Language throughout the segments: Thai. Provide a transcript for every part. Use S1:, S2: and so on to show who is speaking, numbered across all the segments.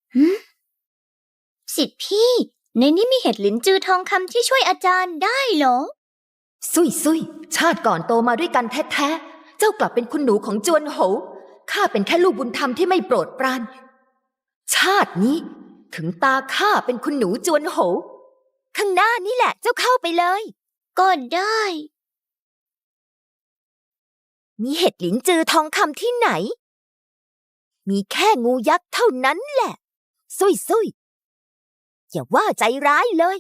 S1: สิทธิพี่ในนี้มีเห็ดหลินจือทองคำที่ช่วยอาจารย์ได้เหรอ
S2: ซุยชาติก่อนโตมาด้วยกันแท้ๆเจ้ากลับเป็นคุณหนูของจวนโหวข้าเป็นแค่ลูกบุญธรรมที่ไม่โปรดปรานชาตินี้ถึงตาข้าเป็นคุณหนูจวนโหวข้างหน้านี่แหละเจ้าเข้าไปเลย
S1: ก็ได้
S2: มีเห็ดหลินจือทองคำที่ไหนมีแค่งูยักษ์เท่านั้นแหละซุยอย่าว่าใจร้ายเลย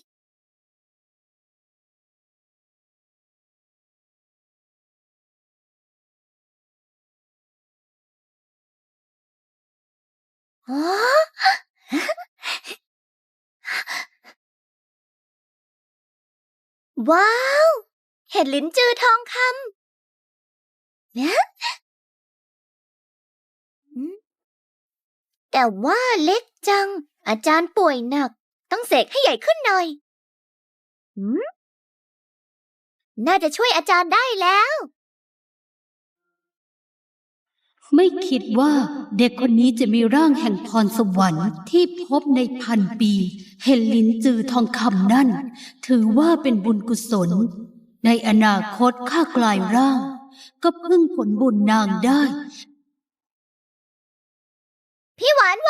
S1: ว้าวเห็ดหลินจือทองคำนะแต่ว่าเล็กจังอาจารย์ป่วยหนักต้องเสกให้ใหญ่ขึ้นหน่อยน่าจะช่วยอาจารย์ได้แล้ว
S3: ไม่คิดว่าเด็กคนนี้จะมีร่างแห่งพรสวรรค์ที่พบใน1,000 ปีเห็นลิ้นจือทองคำนั่นถือว่าเป็นบุญกุศลในอนาคตข้ากลายร่างก็พึ่งผลบุญนางได้
S1: พี่หวาน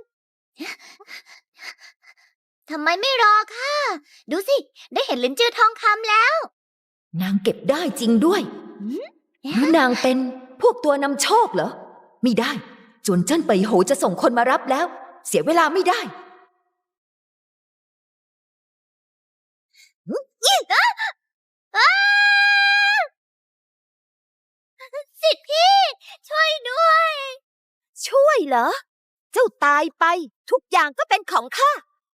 S1: ทำไมไม่รอค่ะดูสิได้เห็นลิ้นจือทองคำแล้ว
S2: นางเก็บได้จริงด้วยหรือนางเป็นพวกตัวนำโชคเหรอไม่ได้จวนเจิ้นเป่ยโหจะส่งคนมารับแล้วเสียเวลาไม่ได้
S1: สิทธิพี่ช่วยด้วย
S2: ช่วยเหรอเจ้าตายไปทุกอย่างก็เป็นของข้า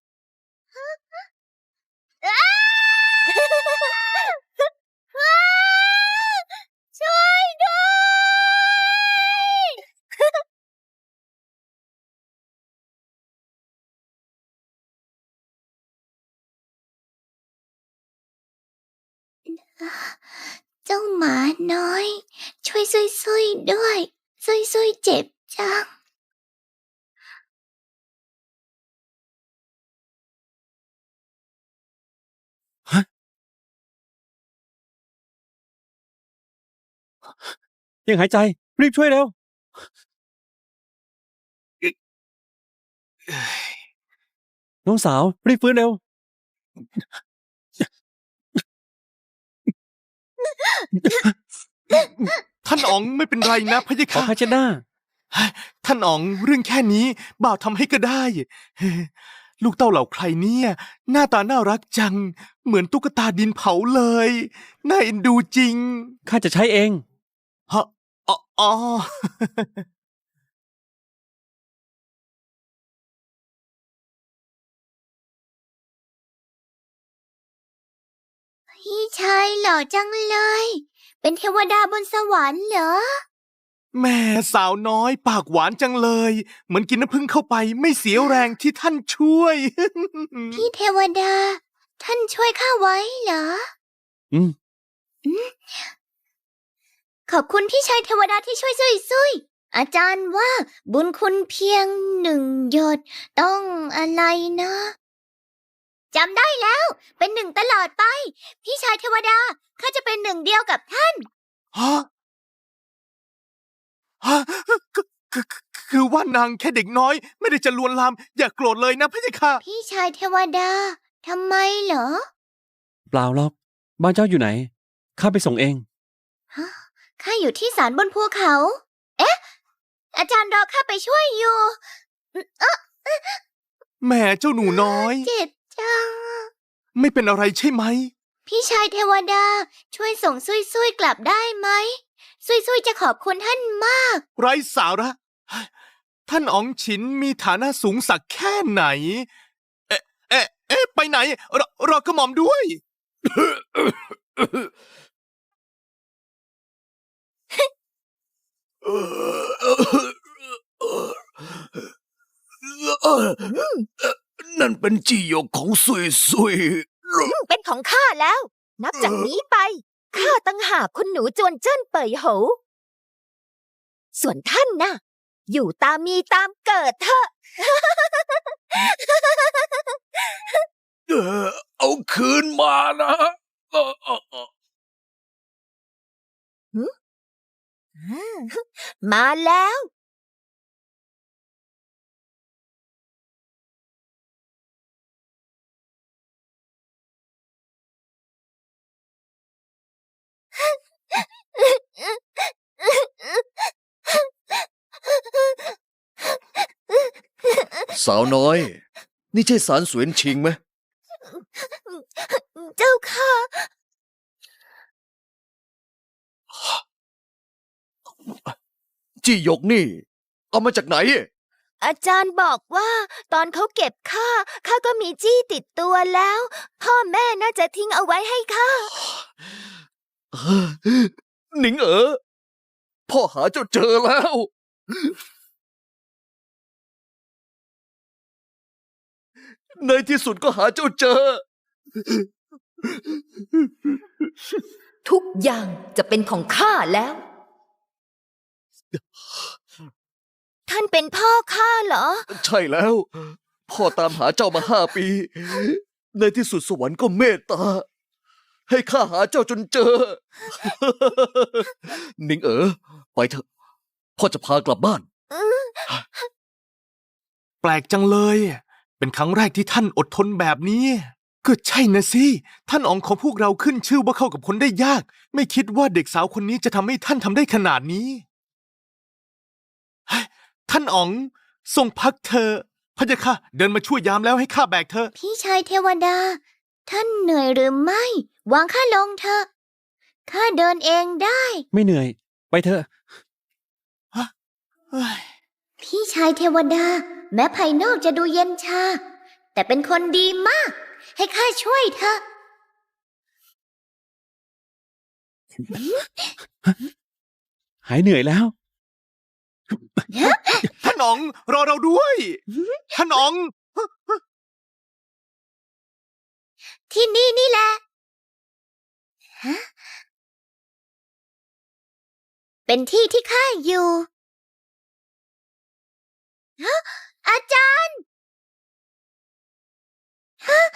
S1: ช่วยด้วยเจ้าหมาน้อยช่วยซุยด้วยซุยเจ็บจัง
S4: ยังหายใจรีบช่วยเร็วน้องสาวรีบฟื้นเร็ว
S5: ท่านอ๋องไม่เป็นไรนะพะยะ
S4: ขอ
S5: ค่ะ
S4: ผ้าเช็ดหน้า
S5: ท่านอ๋องเรื่องแค่นี้บ่าวทำให้ก็ได้ลูกเต้าเหล่าใครเนี่ยหน้าตาน่ารักจังเหมือนตุ๊กตาดินเผาเลยน่าเอ็นดูจริง
S4: ข้าจะใช้เอง
S5: ฮะอ๋อ
S1: พี่ชายหล่อจังเลยเป็นเทวดาบนสวรรค์เหรอ
S5: แม่สาวน้อยปากหวานจังเลยเหมือนกินน้ำผึ้งเข้าไปไม่เสียแรงที่ท่านช่วย
S1: พี่เทวดาท่านช่วยข้าไว้เหรอขอบคุณพี่ชายเทวดาที่ช่วยซุยอาจารย์ว่าบุญคุณเพียง1 หยดต้องอะไรนะจำได้แล้วเป็น1ตลอดไปพี่ชายเทวดาข้าจะเป็น1 เดียวกับท่าน
S5: ฮะคือว่านางแค่เด็กน้อยไม่ได้จะลวนลามอย่าโกรธเลยนะพะยะค่ะ
S1: พี่ชายเทวดาทำไมเหรอ
S4: เปล่าหรอกบ้านเจ้าอยู่ไหนข้าไปส่งเอง
S1: ข้าอยู่ที่ศาลบนภูเขาเอ๊ะอาจารย์รอข้าไปช่วยอยู่
S5: แหม่เจ้าหนูน้อย
S1: เจ็บจัง
S5: ไม่เป็นอะไรใช่ไหม
S1: พี่ชายเทวดาช่วยส่งซุยกลับได้ไหมซุยจะขอบคุณท่านมาก
S5: ไร้สาระท่านอ๋องฉินมีฐานะสูงสักแค่ไหนไปไหนรอกระหม่อมด้วย
S6: นั่นเป็นจีหยกของซุย
S2: เป็นของข้าแล้วนับจากนี้ไปข้าตั้งหากคุณหนูจวนเจิ้นเป่ยโหส่วนท่านน่ะอยู่ตามมีตามเกิดเถอะ
S6: เอาคืนมานะเออเออเออ
S2: มาแล้ว
S6: สาวน้อย นี่ใช่สารสวนชิงไหม
S1: เจ้าค่ะ
S6: จี้หยกนี่ เอามาจากไหน
S2: อาจารย์บอกว่าตอนเขาเก็บข้าก็มีจี้ติดตัวแล้ว พ่อแม่น่าจะทิ้งเอาไว้ให้ข้า
S6: หนิงพ่อหาเจ้าเจอแล้ว ในที่สุดก็หาเจ้าเจอ
S2: ทุกอย่างจะเป็นของข้าแล้ว ท่านเป็นพ่อข้าเหรอ
S6: ใช่แล้ว พ่อตามหาเจ้ามา5 ปี ในที่สุดสวรรค์ก็เมตตา ให้ข้าหาเจ้าจนเจอ หนิงไปเถอะ พ่อจะพากลับบ้าน
S5: แปลกจังเลย เป็นครั้งแรกที่ท่านอดทนแบบนี้ ก็ใช่นะสิ ท่านอ๋องของพวกเราขึ้นชื่อว่าเข้ากับคนได้ยาก ไม่คิดว่าเด็กสาวคนนี้จะทำให้ท่านทำได้ขนาดนี้เฮ้ยท่านอ๋องทรงพักเธอะพะยะค่ะ เดินมาช่วยยามแล้วให้ข้าแบกเธอ
S1: พี่ชายเทวดา ท่านเหนื่อยหรือไม่ วางข้าลงเถอะข้าเดินเองได้
S4: ไม่เหนื่อย ไปเถอะ
S1: พี่ชายเทวดา แม้ภายนอกจะดูเย็นชา แต่เป็นคนดีมาก ให้ข้าช่วยเถอะ
S4: หายเหนื่อยแล้ว
S5: ท่านอ๋องรอเราด้วย ท่านอ๋อง
S1: ที่นี่นี่แหละฮะเป็นที่ที่ข้าอยู่ฮะอาจารย์ฮะ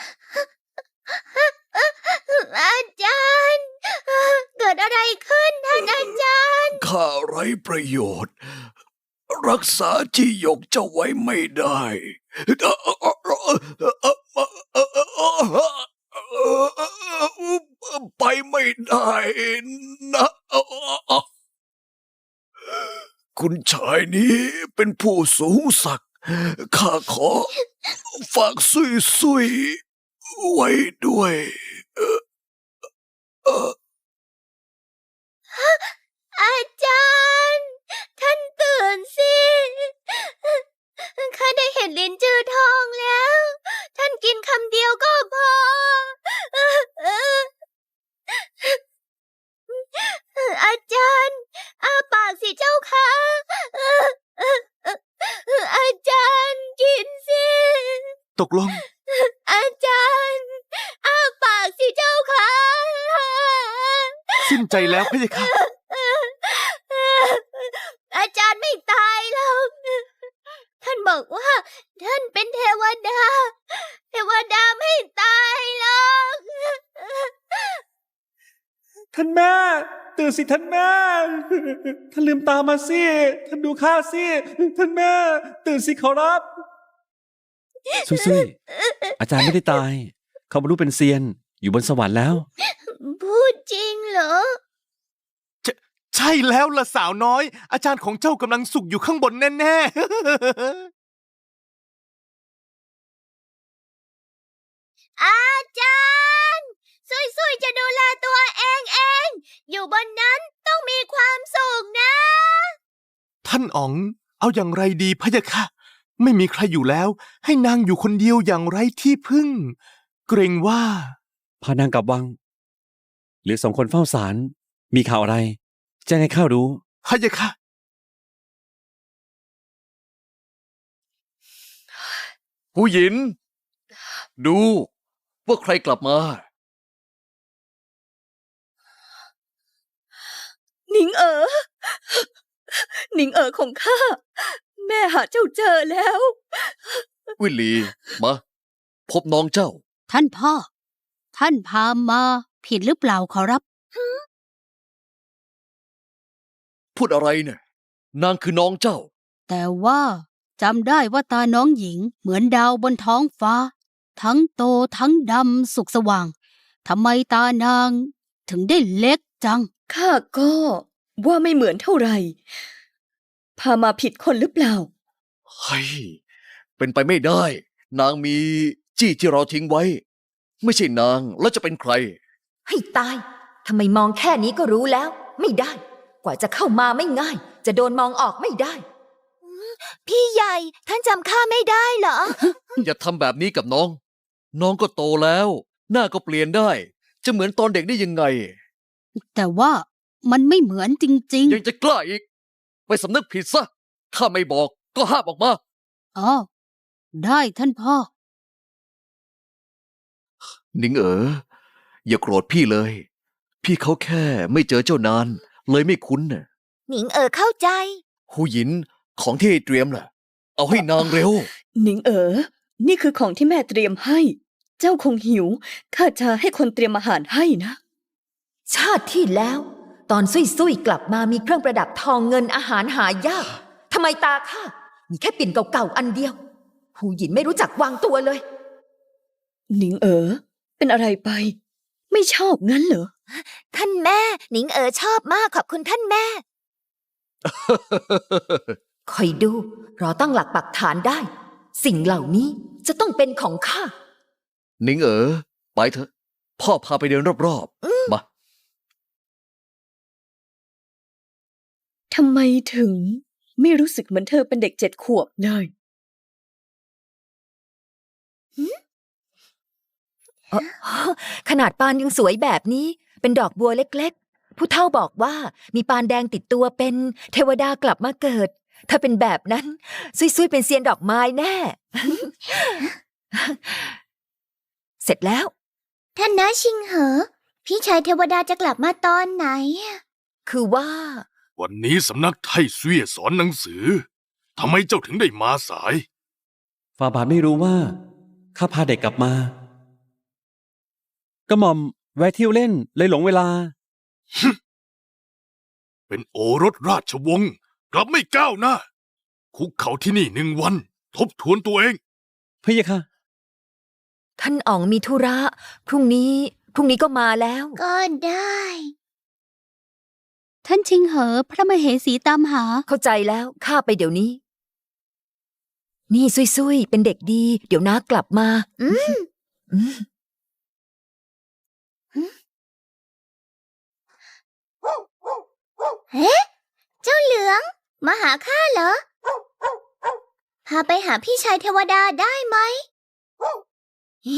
S1: อาจารย์ เกิดอะไรขึ้นท่านอาจารย์
S6: ข้าไร้ประโยชน์ รักษาจี้หยกเจ้าไว้ไม่ได้ ไปไม่ได้นะ คุณชายนี้เป็นผู้สูงศักดิ์ข้าขอฝากซุยไว้ด้วย
S1: อาจารย์ ท่านตื่นสิ ข้าได้เห็นลิ้นจือทองแล้ว ท่านกินคำเดียวก็พอ อาจารย์อ้าปากสิเจ้าค่ะ อาจารย์กินสิ
S5: ตกลง
S1: อาจารย์อ้าปากสิเจ้าค่ะ
S5: สิ้นใจแล้วพะยะค่ะ
S1: อาจารย์ไม่ตายหรอก ท่านบอกว่า ท่านเป็นเทวดา เทวดาไม่ตายหรอก
S4: ท่านแม่ ตื่นสิท่านแม่ ท่านลืมตามาสิ ท่านดูข้าสิ ท่านแม่ ตื่นสิขอรับ ซุยๆอาจารย์ไม่ได้ตาย เขาบรรลุเป็นเซียน อยู่บนสวรรค์แล้ว
S1: พูดจริงเหรอ
S5: ใช่แล้วล่ะสาวน้อย อาจารย์ของเจ้ากำลังสุขอยู่ข้างบนแน่ๆ
S1: อาจารย์ซุยๆจะดูแลตัวเอง อยู่บนนั้นต้องมีความสุขนะ
S5: ท่านอ๋อง เอาอย่างไรดีพะยะค่ะ ไม่มีใครอยู่แล้ว ให้นางอยู่คนเดียวอย่างไร้ที่พึ่ง เกรงว่า
S4: พานางกลับวัง หรือ2 คนเฝ้าศาล มีข่าวอะไร แจ้งให้ข้ารู้
S5: พะยะค่ะ
S6: ผู้หญิน ดูว่าใครกลับมา
S2: หนิง
S7: หนิงเอ๋อของข้า แม่หาเจ้าเจอแล้ว
S6: วิลลี มา พบน้องเจ้า
S3: ท่านพ่อ ท่านพามาผิดหรือเปล่าขอรับ
S6: พูดอะไรเนี่ย นางคือน้องเจ้า
S3: แต่ว่าจำได้ว่าตาน้องหญิงเหมือนดาวบนท้องฟ้า ทั้งโตทั้งดำสุกสว่างทำไมตานางถึงได้เล็กจัง
S7: ข้าก็ว่าไม่เหมือนเท่าไหร่ พามาผิดคนหรือเปล่า
S6: เฮ้ย เป็นไปไม่ได้ นางมีจี้ที่เราทิ้งไว้ ไม่ใช่นางแล้วจะเป็นใคร
S2: ให้ตาย ทำไมมองแค่นี้ก็รู้แล้ว ไม่ได้ กว่าจะเข้ามาไม่ง่าย จะโดนมองออกไม่ได้
S1: พี่ใหญ่ ท่านจำข้าไม่ได้เหรอ
S6: อย่าทำแบบนี้กับน้อง น้องก็โตแล้ว หน้าก็เปลี่ยนได้ จะเหมือนตอนเด็กได้ยังไง
S3: แต่ว่ามันไม่เหมือนจริง
S6: ยังจะกล้าอีก ไปสำนึกผิดซะ ข้าไม่บอกก็ห้ามออกมา
S3: ๆ อ๋อ ได้ท่านพ่อ
S6: นิงอย่าโกรธพี่เลย พี่เขาแค่ไม่เจอเจ้านาน เลยไม่คุ้นน่ะ
S1: หนิงเข้าใจ
S6: หูหยินของที่ให้เตรียมน่ะ เอาให้นางเร็ว
S7: หนิงเอ๋อ นี่คือของที่แม่เตรียมให้ เจ้าคงหิว ข้าจะให้คนเตรียมอาหารให้นะ
S2: ชาติที่แล้ว ตอนซุยๆกลับมามีเครื่องประดับทองเงินอาหารหายากทำไมตาข้ามีแค่ปิ่นเก่าๆอันเดียว หูหยินไม่รู้จักวางตัวเลย
S7: หนิงเอ๋อ เป็นอะไรไป ไม่ชอบงั้นเหรอ
S1: ท่านแม่ หนิงชอบมากขอบคุณท่านแม่
S2: คอยดูรอตั้งหลักปักฐานได้ สิ่งเหล่านี้จะต้องเป็นของข้า
S6: นิงไปเถอะ พ่อพาไปเดินรอบๆ มา
S7: ทำไมถึงไม่รู้สึกเหมือนเธอเป็นเด็ก7 ขวบเลย
S2: ขนาดปานยังสวยแบบนี้ เป็นดอกบัวเล็กๆ ผู้เฒ่าบอกว่ามีปานแดงติดตัวเป็นเทวดากลับมาเกิด ถ้าเป็นแบบนั้นซุยๆเป็นเซียนดอกไม้แน่ เสร็จแล้ว
S1: ท่านน้าชิงเหอ พี่ชายเทวดาจะกลับมาตอนไหน
S2: คือว่า
S5: วันนี้สำนักไทเสวียสอนหนังสือทำไมเจ้าถึงได้มาสาย
S4: ฝ่าบาทไม่รู้ว่าข้าพาเด็กกลับมา ก็หม่อมแวะเที่ยวเล่นเลยหลงเวลา
S5: เป็นโอรสราชวงศ์กลับไม่ก้าวหน้า คุกเขาที่นี่1 วัน ทบทวนตัวเอง
S4: พะยะค่ะ
S2: ท่านอ๋องมีธุระ พรุ่งนี้ก็มาแล้ว
S1: ก็ได้
S3: ท่านชิงเหอ พระมเหสีตามหา
S2: เข้าใจแล้วข้าไปเดี๋ยวนี้ นี่ซุยๆเป็นเด็กดี เดี๋ยวน้ากลับมา อืม
S1: เฮ้เจ้าเหลือง มาหาข้าเหรอ พาไปหาพี่ชายเทวดาได้ไหมหิ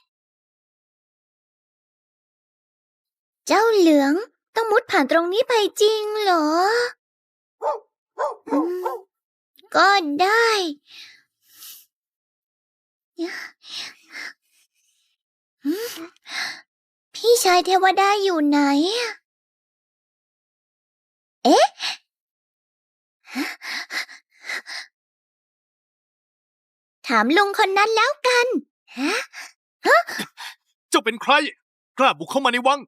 S1: เจ้าเหลืองต้องมุดผ่านตรงนี้ไปจริงเหรอ ก็ได้ พี่ชายเทวดาอยู่ไหน เอ๊ะ ถามลุงคนนั้นแล้วกัน
S5: เจ้าเป็นใคร กล้าบุกเข้ามาในวัง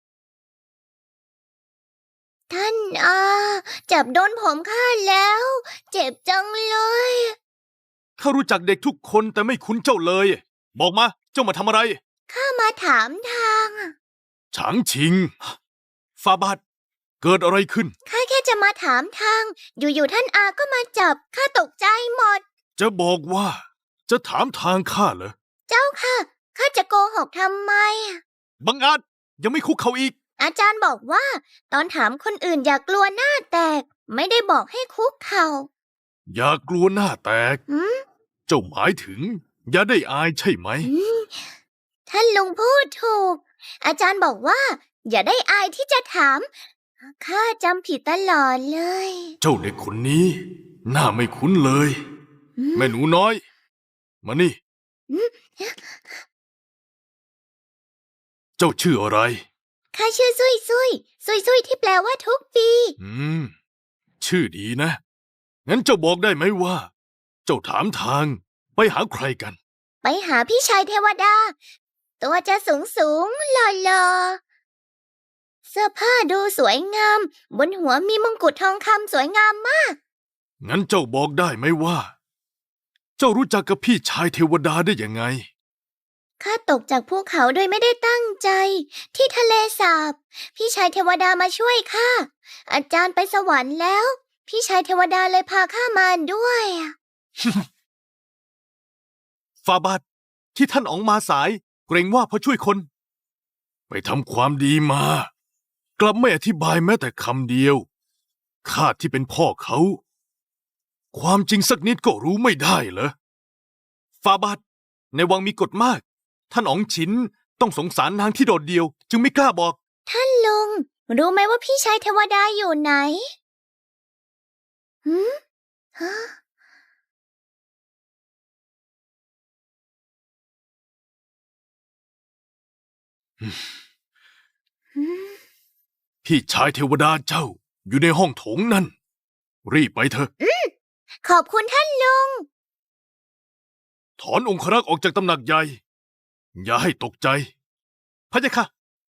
S1: ท่านจับโดนผมข้าแล้ว เจ็บจังเลย
S5: ข้ารู้จักเด็กทุกคนแต่ไม่คุ้นเจ้าเลย บอกมา เจ้ามาทำอะไร
S1: ข้ามาถามทาง
S5: ฉางชิง ฟาบาท เกิดอะไรขึ้น
S1: ข้าแค่จะมาถามทาง อยู่ๆท่านอาก็มาจับ ข้าตกใจหมด
S5: จะบอกว่า จะถามทางข้าเหรอ
S1: เจ้าค่ะ ข้าจะโกหกทำไม
S5: บังอาจยังไม่คุกเขาอีก
S1: อาจารย์บอกว่า ตอนถามคนอื่นอย่ากลัวหน้าแตก ไม่ได้บอกให้คุกเข่า
S5: อย่ากลัวหน้าแตก
S1: หืม
S5: เจ้าหมายถึง อย่าได้อายใช่ไหม
S1: ท่านลุงพูดถูก อาจารย์บอกว่า อย่าได้อายที่จะถาม ข้าจำผิดตลอดเลย
S5: เจ้าเด็กคนนี้ หน้าไม่คุ้นเลย แม่หนูน้อย มานี่ เจ้าชื่ออะไร
S1: ข้าชื่อซุยซุยที่แปลว่าทุกปี
S5: อืมชื่อดีนะ งั้นเจ้าบอกได้ไหมว่า เจ้าถามทางไปหาใครกัน
S1: ไปหาพี่ชายเทวดา ตัวจะสูงสูงหล่อๆเสื้อผ้าดูสวยงาม บนหัวมีมงกุฎทองคำสวยงามมาก
S5: งั้นเจ้าบอกได้ไหมว่า เจ้ารู้จักกับพี่ชายเทวดาได้ยังไง
S1: ข้าตกจากภูเขาโดยไม่ได้ตั้งใจ ที่ทะเลสาบ พี่ชายเทวดามาช่วยข้า อาจารย์ไปสวรรค์แล้ว พี่ชายเทวดาเลยพาข้ามาด้วย
S5: ฟาบาทที่ท่านอ๋องมาสาย เกรงว่าเพราะช่วยคน ไปทำความดีมา กลับไม่อธิบายแม้แต่คำเดียวข้าที่เป็นพ่อเขา ความจริงสักนิดก็รู้ไม่ได้เหรอฟาบาทในวังมีกฎมาก ท่านอ๋องฉินต้องสงสารนางที่โดดเดี่ยว จึงไม่กล้าบอก
S1: ท่านลุง รู้ไหมว่าพี่ชายเทวดาอยู่ไหนหืมฮะ หืม
S5: พี่ชายเทวดาเจ้าอยู่ในห้องโถงนั่น รีบไปเถอะ
S1: ขอบคุณท่านลุง
S5: ถอนองครักษ์ออกจากตำหนักใหญ่ อย่าให้ตกใจพะยะค่ะ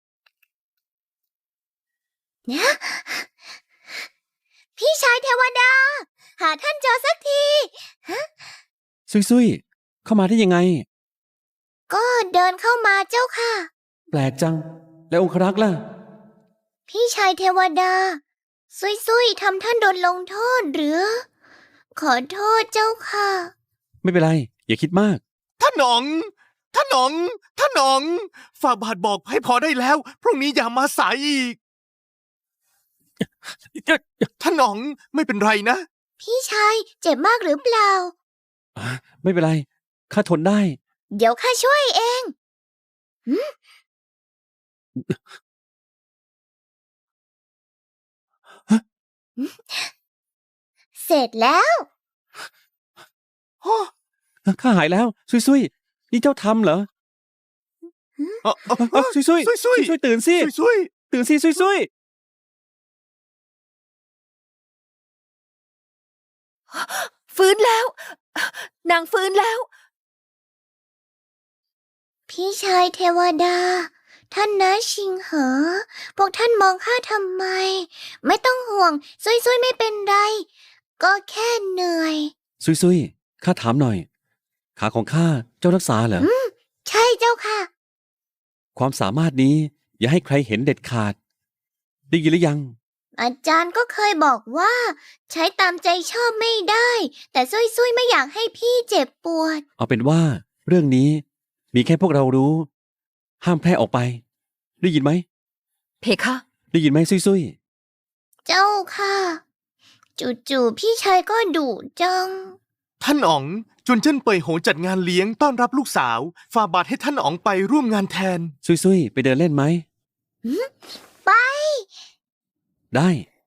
S1: พี่ชายเทวดา หาท่านเจอสักที
S4: ซุยๆเข้ามาได้ยังไง
S1: ก็เดินเข้ามาเจ้าค่ะ
S4: แปลกจัง แล้วองครักษ์ล่ะ
S1: พี่ชายเทวดา ซุยๆทำท่านโดนลงโทษหรือ ขอโทษเจ้าค่ะ
S4: ไม่เป็นไร อย่าคิดมาก
S5: ท่านอ๋อง ท่านอ๋อง ท่านอ๋องฝ่าบาทบอกให้พอได้แล้ว พรุ่งนี้อย่ามาสายอีก ท่านอ๋องไม่เป็นไรนะ
S1: พี่ชายเจ็บมากหรือเปล่า
S4: ไม่เป็นไร ข้าทนได้
S1: เดี๋ยวข้าช่วยเองหืมเสร็จแล้ว
S4: ข้าหายแล้ว ซุยๆนี่เจ้าทำเหรอซุยๆ
S5: ซุยๆ
S4: ซุยๆตื่นสิ
S5: ซุย
S4: ตื่นสิซุย
S2: ฟื้นแล้ว นางฟื้นแล้ว
S1: พี่ชายเทวดา ท่านนะชิงเหอ พวกท่านมองข้าทำไม ไม่ต้องห่วง ซุยๆไม่เป็นไร ก็แค่เหนื่อย
S4: ซุยๆข้าถามหน่อย ขาของข้าเจ้ารักษาเหรอ
S1: ใช่เจ้าค่ะ
S4: ความสามารถนี้อย่าให้ใครเห็นเด็ดขาด ได้ยินหรือยัง
S1: อาจารย์ก็เคยบอกว่า ใช้ตามใจชอบไม่ได้ แต่ซุยๆไม่อยากให้พี่เจ็บปวด
S4: เอาเป็นว่า เรื่องนี้มีแค่พวกเรารู้ ห้ามแพร่ออกไป ได้ยินไหม
S2: เพคะ
S4: ได้ยินไหมซุย
S1: เจ้าค่ะ จู่ๆพี่ชายก็ดุจัง
S5: ท่านอ๋องจวนเจิ้นเป่ยโหจัดงานเลี้ยงต้อนรับลูกสาวฝ่าบาทให้ท่านอ๋องไปร่วมงานแทน
S4: ๆซุยๆไปเดินเล่นไหม
S1: ไป
S4: ได้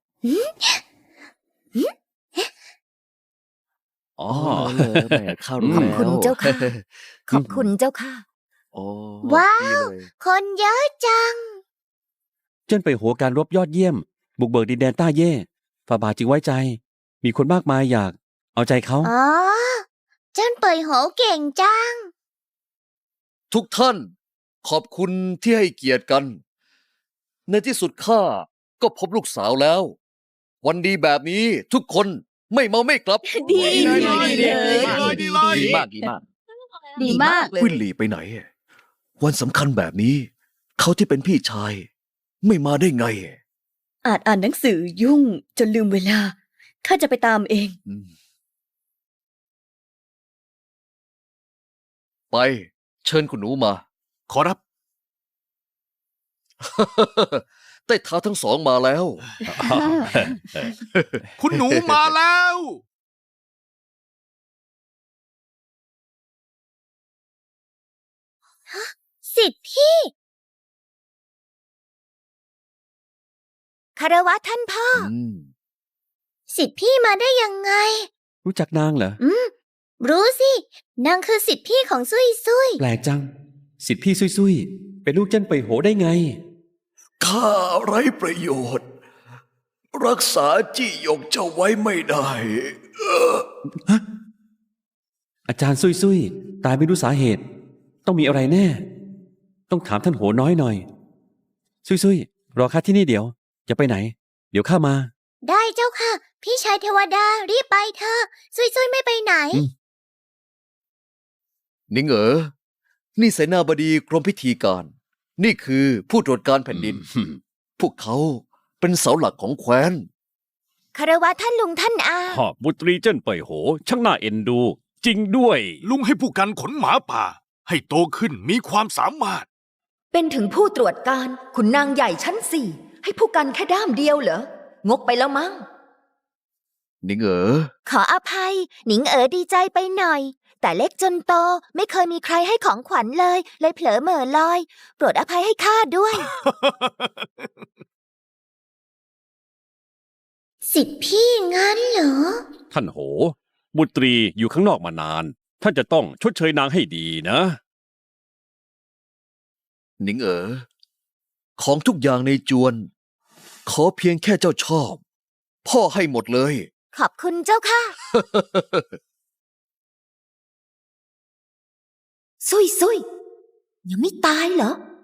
S4: อ๋อ
S6: แม่ข้ารู้
S2: ขอบคุณ
S6: แล้ว
S2: เจ้าค่ะ ขอบคุณเจ้าค่ะ
S6: โอ้
S1: ว้าว
S6: ดีเลย
S1: คนเยอะจัง
S4: เจิ้นไปหัวการรบยอดเยี่ยม บุกเบิกดินแดนต้าเย่ฝ่าบาทจึงไว้ใจ มีคนมากมายอยาก เอาใจเขา
S1: อ๋อ เจิ้นเป่ยโหเก่งจัง
S6: ทุกท่าน ขอบคุณที่ให้เกียรติกัน ในที่สุดข้าก็พบลูกสาวแล้ว วันดีแบบนี้ทุกคนไม่เมาไม่กลับ
S2: ดี
S6: ดีมากดีมาก
S2: ดีมากเลย
S6: วิลลี่ไปไหน วันสำคัญแบบนี้ เขาที่เป็นพี่ชาย ไม่มาได้ไง
S7: อาจอ่านหนังสือยุ่งจนลืมเวลา ข้าจะไปตามเอง
S6: อืมไปเชิญคุณหนูมา
S5: ขอรับ
S6: ใต้เท้าทั้งสองมาแล้ว
S5: คุณหนูมาแล้ว
S1: สิทธิ์พี่ คารวะท่านพ่อ สิทธิ์พี่มาได้ยังไง
S4: รู้จักนางเหรอ
S1: รู้สิ นางคือสิทธิ์พี่ของซุย
S4: แปลกจัง สิทธิพี่ซุยๆเป็นลูกเจิ้นไปโหได้ไง
S6: ข้าไร้ประโยชน์ ไร้รักษาจี้หยกเจ้าไว้ไม่ได้
S4: อาจารย์ซุยๆตายไม่รู้สาเหตุ ต้องมีอะไรแน่ ต้องถามท่านโหน้อยหน่อย ซุยๆรอข้าที่นี่เดี๋ยว อย่าไปไหน เดี๋ยวข้ามา
S1: ได้เจ้าค่ะ พี่ชายเทวดารีบไปเถอะซุยๆไม่ไปไหน
S4: อืม
S6: นิงนี่เสนาบดีกรมพิธีการ นี่คือผู้ตรวจการแผ่นดิน พวกเขาเป็นเสาหลักของแคว้น
S1: คารวะท่านลุงท่านอา
S8: พ่อบุตรีเจิ้นเป่ยโห ช่างน่าเอ็นดู จริงด้วย
S5: ลุงให้ผู้กันขนหมาป่า ให้โตขึ้นมีความสามารถ
S2: เป็นถึงผู้ตรวจการขุนนางใหญ่ชั้นสี่ให้ผู้กันแค่ด้ามเดียวเหรอ งกไปแล้วมั้ง
S6: นิง
S1: ขออภัย หนิงดีใจไปหน่อย แต่เล็กจนโตไม่เคยมีใครให้ของขวัญเลยเผลอเหม่อลอย โปรดอภัยให้ข้าด้วย สิทธิพี่งั้นเหรอ
S8: ท่านโห บุตรีอยู่ข้างนอกมานาน ท่านจะต้องชดเชยนางให้ดีนะ
S6: นิงของทุกอย่างในจวน ขอเพียงแค่เจ้าชอบ พ่อให้หมดเลย
S1: ขอบคุณเจ้าค่ะ
S2: ซุยยังไม่ตายเหรอ